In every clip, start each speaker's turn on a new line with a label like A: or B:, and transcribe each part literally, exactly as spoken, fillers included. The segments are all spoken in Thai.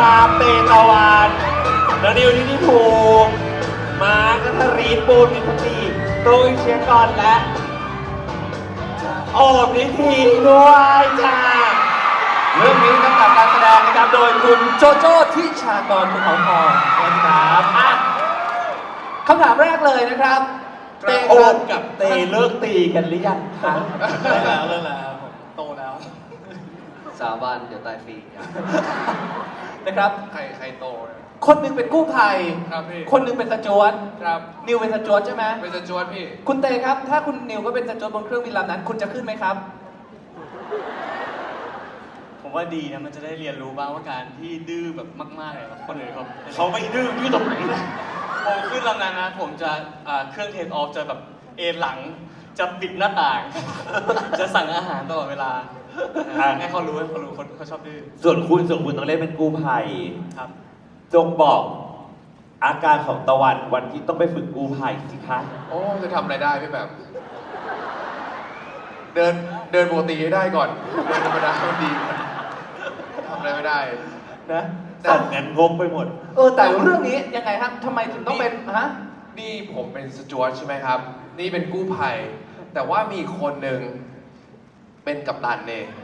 A: ามเตตะวันแล้วนิวนิธิภูมิมาร์คนัทรีปูนมิตรีตุ้ยเชียร์ก่อนและโอบนิธิด้วยจ้าเรื่องนี้กำกับการแสดงนะครับโดยคุณโจโจ้ทิชากรภูเขาทองนะครับอ่ะคำถามแรกเลยนะครับเตโอบกับเตเลิกตีกันหรือยังคะ
B: เลิกแล้วเลิกแล้วผมโตแล้ว
C: สาบานเดี๋ยวตายฟรี
B: นะครับ
D: ใครใครโตเนี่ย
B: คนหนึ่งเป็นกู้ภัย
D: ครับพี่
B: คนหนึ่งเป็นสจ๊วต
D: ครับ
B: นิวเป็นสจ๊วตใช่ไหม
D: เป็นสจ๊วตพี่
B: คุณเตครับถ้าคุณนิวก็เป็นสจ๊วตบนเครื่องบินลำนั้นคุณจะขึ้นไหมครับ
E: ผมว่าดีนะมันจะได้เรียนรู้บ้างว่าการที่ดื้อแบบมากๆเลยคนอื่นเขา
A: เขาไม่ดื้อดื้อตรงไหน
E: ผมขึ้นลำนั้นนะผมจะเครื่องเทคออฟจะแบบเอนหลังจะปิดหน้าต่าง จะสั่งอาหารตลอดเวลาให้เขารู้ให้เขารู้คนเขาชอบดื้อ
A: ส่วนคุณส่วนคุณต้องเล่นเป็นกู้ภัย
E: ครับ
A: จงบอกอาการของตะวันวันที่ต้องไปฝึกกู้ภัยสิคะ
D: โอ้จะทำอะไรได้พี่แบบเดินเดินปกติให้ได้ก่อนเดินธรรมดามันดีทำอะไรไม่ได้
A: นะสั่งงานงงไปหมด
B: เออแต่เรื่องนี้ยังไงครับทำไมถึงต้องเป็นฮะ
D: นี่ผมเป็นสจ๊วตใช่ไหมครับนี่เป็นกู้ภัยแต่ว่ามีคนหนึ่งเป็นกัปตันเอง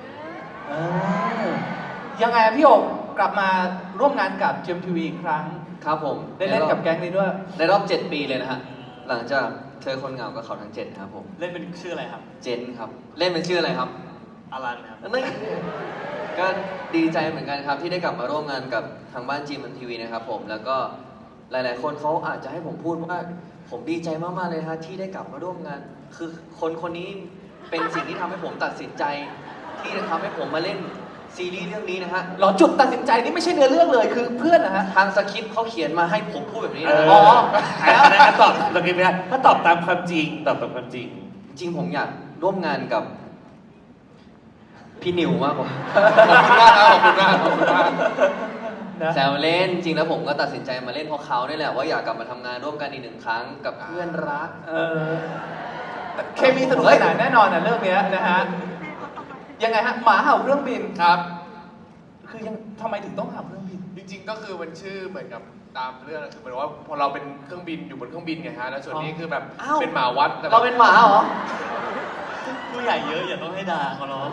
B: ยังไงพี่โอกกลับมาร่วมงานกับ จี เอ็ม ที วี อีกครั้ง
C: ครับผม
B: ได้เล่นกับแก๊งนี้ด้วย
C: ในรอบเจ็ดปีเลยนะฮะหลังจากเธอคนเหงากับเขาทั้งเจ็ดครับผม
E: เล่นเป็นชื่ออะไรครับ
C: เจนครับเล่นเป็นชื่ออะไรครับ
E: อารันครับ
C: นี่ก็ดีใจเหมือนกันครับที่ได้กลับมาร่วมงานกับทางบ้าน จี เอ็ม ที วี นะครับผมแล้วก็หลายๆคนเขาอาจจะให้ผมพูดว่าผมดีใจมากๆเลยฮะที่ได้กลับมาร่วมงานคือคนคนนี้เป็นสิ่งที่ทำให้ผมตัดสินใจที่จะทำให้ผมมาเล่นซีรีส์เรื่องนี้นะฮะ
B: หรอจุดตัดสินใจนี่ไม่ใช่เนื้อเรื่องเลยคือเพื่อนนะฮะ
C: ทางสคริปต์เขาเขียนมาให้ผมพูดแบบนี้นะ
A: อ๋อแล้วนะตอบสคริปต์ไม่ได้ถ้าตอบตามความจริงตอบตามความจริง
C: จริงผมอยากร่วมงานกับพี่นิวมากกว่า
D: ขอบคุณมากขอบคุณมากขอบคุณ
C: มากแซวเล่นจริงแล้วผมก็ตัดสินใจมาเล่นเพราะเขานี่แหละว่าอยากกลับมาทำงานร่วมกันอีกหนึ่งครั้งกับเพื่อนรัก
B: เออเคมีสนุกสนานแน่นอนนะเรื่องนี้นะฮะยังไงฮะหมาเห่าเครื่องบิน
D: ครับ
B: คือยังทำไมถึงต้องเห่าเครื่องบิน
D: จริงๆก็คือมันชื่อเหมือนกับตามเรื่องคือเหมือนว่าพอเราเป็นเครื่องบินอยู่บนเครื่องบินไงฮะแล้วส่วนนี้คือแบบเป็นหมาวัด
B: เราเป็นหมาเหรอ
E: ผู้ใหญ่เยอะอย่าต้องให้ด่าเขาหรอก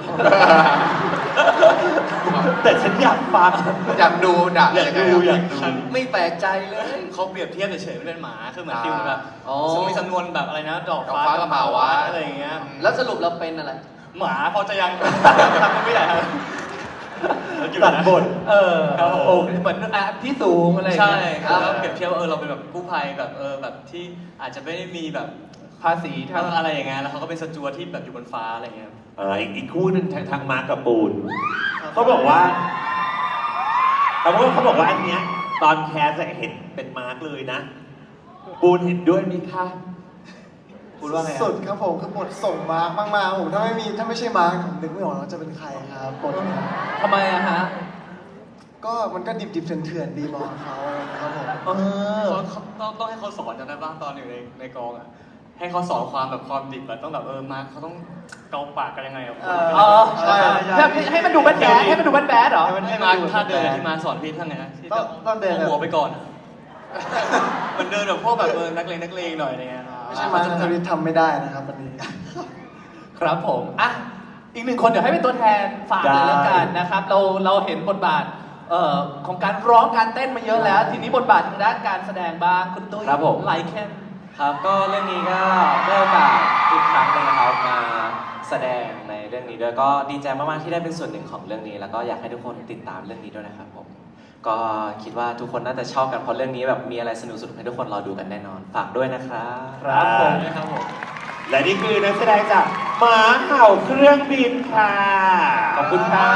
A: แต่ฉันอยากฟัง
D: อยากดูด่า
A: อยากดูอยากดู
C: ไม่แปลกใจเลย
E: เขาเปรียบเทียบเฉยๆไม่เป็นหมาคือเหมือนฟิลแบบสมมติจำนวนแบบอะไรนะดอกฟ้า
D: กับหมาวัด
E: อะไรอย่างเงี้ย
C: แล้วสรุปเราเป็นอะไร
E: หมาพอจะยังทำไม่ได้ครับ
A: ตัดบท
B: เออโอ้เหมือนอ่ะที่สูงอะไร
E: ใช่ครับเปรียบเทียบว่าเออเราเป็นแบบกู้ภัยแบบเออแบบที่อาจจะไม่ได้มีแบบ
B: ภาษีทาง
E: อะไรอย่างเงี้ยแล้วเขาก็เป็นสจ๊วตที่แบบอยู่บนฟ้าอะไรเงี้ย
A: เอออีกคู่หนึ่งทางมาร์กกับปูนเขาบอกว่าแต่ว่าเขาบอกว่าอันเนี้ยตอนแคสเห็นเป็นมาร์กเลยนะปูนเห็นด้วยไหมคะ
F: พูดว่าไงสุดครับผมคือบทส่งมาร์กมากๆผมถ้าไม่มีถ้าไม่ใช่มาร์กผมนึกไม่ออกว่าจะเป็นใครครับบท
B: ทำไมอะฮะ
F: ก็มันก็ดิบๆเถื่อนๆดีมองเขาครับผม
E: เออต้องต้องให้เขาสอนจำได้บ้างตอนอยู่ในในกองอะให้เขาสอนความแบบความดิบแบบต้องแบบเออมาร์คเขาต้องเกาปากกันยังไงอ่ะ
B: อ๋อใช่ให้มันดูแบดแบดให้มันดูแบดแบดเหรอ
E: ให้มาร์คถ้าเดินที่มาสอนพี่ท่านไงนะที่
F: ต้องเดิน
E: หัวไปก่อนมันเดินแบบพวกแบบเออนักเลงนักเลงหน่อยอะไรเงี้ย
F: ไม่ใช่มาร์คทวิตทำไม่ได้นะครับวันนี้
B: ครับผมอ่ะอีกหนึ่งคนเดี๋ยวให้เป็นตัวแทนฝากเลยแล้วกันนะครับเราเราเห็นบทบาทเอ่อของการร้องการเต้นมาเยอะแล้วทีนี้บทบาททางด้านการแสดงบ้างคุณตุ้ยไลค์แค่
G: ครับก็เรื่องนี้ก็ได้โอกาสอีกครั้งหนึ่งนะครับมาแสดงในเรื่องนี้ด้วยก็ดีใจมากๆที่ได้เป็นส่วนหนึ่งของเรื่องนี้แล้วก็อยากให้ทุกคนติดตามเรื่องนี้ด้วยนะครับผมก็คิดว่าทุกคนน่าจะชอบกันเพราะเรื่องนี้แบบมีอะไรสนุกสุดให้ทุกคนรอดูกันแน่นอนฝากด้วยนะครับ
B: ครับผมนะครับผม
A: และนี่คือนักแสดงจากหมาเห่าเครื่องบินค่ะ
B: ขอบคุณครับ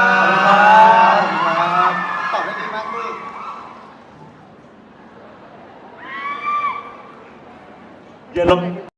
F: ตอบได้ดีมากพี่
A: อย่าลง